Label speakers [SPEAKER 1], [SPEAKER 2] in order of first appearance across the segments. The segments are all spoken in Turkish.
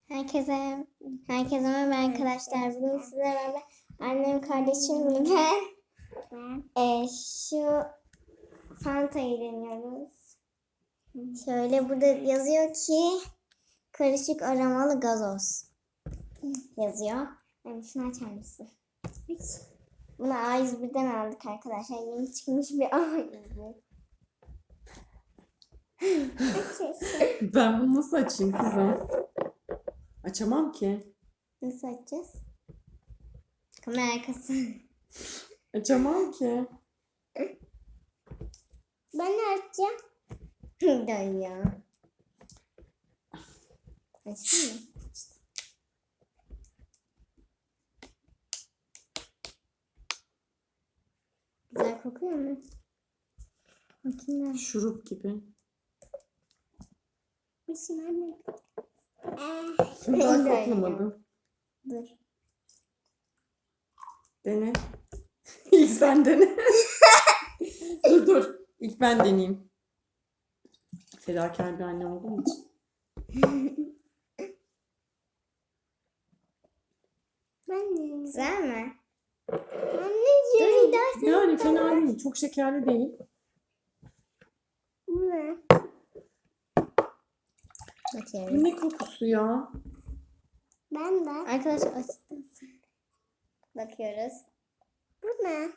[SPEAKER 1] Herkese merhaba arkadaşlar. Bugün sizlerle beraber annem, kardeşim ve ben şu Fanta'yı deniyoruz. Şöyle burada yazıyor ki karışık aromalı gazoz yazıyor. Yani şunu açar mısın? Bunu A101'den aldık arkadaşlar. Yeni çıkmış bir A101.
[SPEAKER 2] Ben bunu nasıl açayım kızım? Açamam ki.
[SPEAKER 1] Nasıl açacağız? Kamera arkası.
[SPEAKER 2] Açamam ki.
[SPEAKER 1] Ben de açacağım. Dön ya. Açtın mı? Güzel kokuyor mu? Bakayım ben.
[SPEAKER 2] Şurup gibi.
[SPEAKER 1] Başım anne.
[SPEAKER 2] Daha koklamadım.
[SPEAKER 1] Dur.
[SPEAKER 2] Dene. İlk sen dene. dur. İlk ben deneyeyim. Fedakar bir anne olduğum için.
[SPEAKER 1] Güzel mi? Anneciğim. Dur
[SPEAKER 2] Yani fena değil. Çok şekerli değil.
[SPEAKER 1] Bu ne?
[SPEAKER 2] Bu ne kokusu ya?
[SPEAKER 1] Ben de. Arkadaşlar asistan. Bakıyoruz. Bu ne?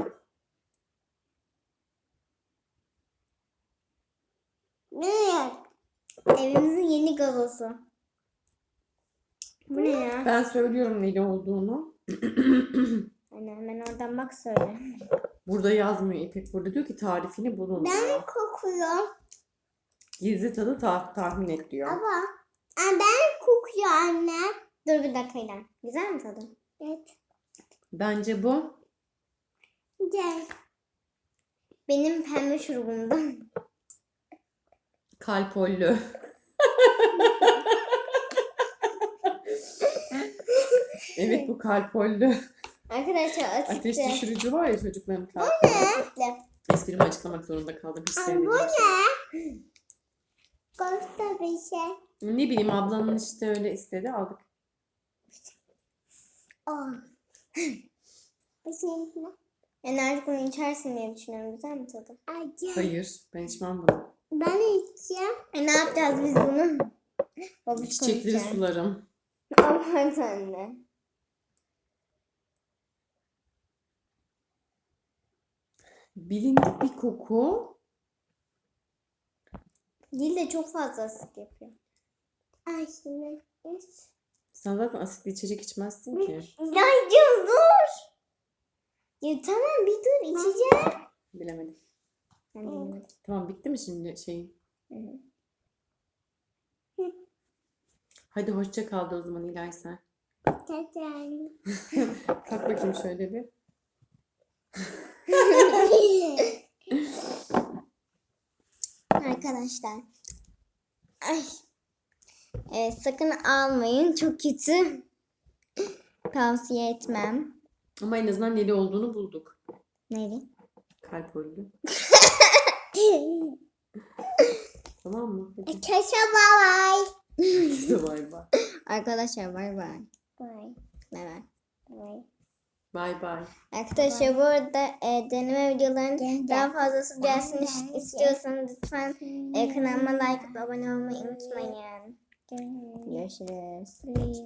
[SPEAKER 1] Ne? Evimizin yeni gazosu. Bu ne ya?
[SPEAKER 2] Ben söylüyorum neli olduğunu.
[SPEAKER 1] Anne hemen oradan bak söyle.
[SPEAKER 2] Burada yazmıyor İpek. Burada diyor ki tarifini bulun.
[SPEAKER 1] Ben kokuyor.
[SPEAKER 2] Gizli tadı tahmin et diyor.
[SPEAKER 1] Ama ben kokuyor anne. Dur bir dakika İlhan. Güzel mi tadı? Evet.
[SPEAKER 2] Bence bu.
[SPEAKER 1] Güzel. Benim pembe şurubumdan.
[SPEAKER 2] Kalpollü. Evet bu kalpollü.
[SPEAKER 1] Arkadaşlar asitli.
[SPEAKER 2] Ateş düşürücü var ya çocukların kalp.
[SPEAKER 1] Asitli.
[SPEAKER 2] Esprimi açıklamak zorunda kaldım. Hiç
[SPEAKER 1] Bu
[SPEAKER 2] sevmediğim şey.
[SPEAKER 1] ne? Kosta bir şey.
[SPEAKER 2] Ne bileyim ablanın işte öyle istedi aldık.
[SPEAKER 1] Oh. Bir şey ne? Yani artık bunu içersin diye düşünüyorum. Güzel mi tadı?
[SPEAKER 2] Hayır ben içmem bunu.
[SPEAKER 1] Ben içeceğim. Ne yapacağız biz bunu? Babuş
[SPEAKER 2] Çiçekleri
[SPEAKER 1] konuşacağım.
[SPEAKER 2] sularım.
[SPEAKER 1] Aman anne.
[SPEAKER 2] Bilindik bir koku.
[SPEAKER 1] Dil de çok fazla asit yapıyor. Ay şimdi.
[SPEAKER 2] Sen zaten asitli içecek içmezsin ki.
[SPEAKER 1] Yaycım dur. Ya tamam bir dur içeceğim.
[SPEAKER 2] Bilemedim.
[SPEAKER 1] Ben bilmedim.
[SPEAKER 2] Tamam bitti mi şimdi şeyin?
[SPEAKER 1] Hı.
[SPEAKER 2] Hadi hoşça kal da o zaman İlay sen. Kalk bakayım şöyle bir.
[SPEAKER 1] Arkadaşlar. Ay. Sakın almayın. Çok kötü. Tavsiye etmem.
[SPEAKER 2] Ama en azından neli olduğunu bulduk.
[SPEAKER 1] Neydi?
[SPEAKER 2] Kalpollü. Tamam mı? Hadi.
[SPEAKER 1] Keşke bay
[SPEAKER 2] Herkese bay bay.
[SPEAKER 1] Arkadaşlar bay bay. Bay bay.
[SPEAKER 2] Bay bay.
[SPEAKER 1] Arkadaşlar bu arada deneme videolarının daha fazlası gelsin istiyorsanız lütfen kanalıma like atıp abone olmayı unutmayın. Görüşürüz.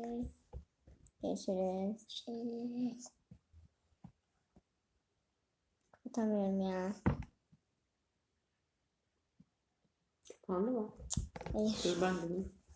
[SPEAKER 1] Görüşürüz. Utanmıyorum ya.
[SPEAKER 2] Kapandı mı?
[SPEAKER 1] Hayır.
[SPEAKER 2] Dur ben deneyeyim.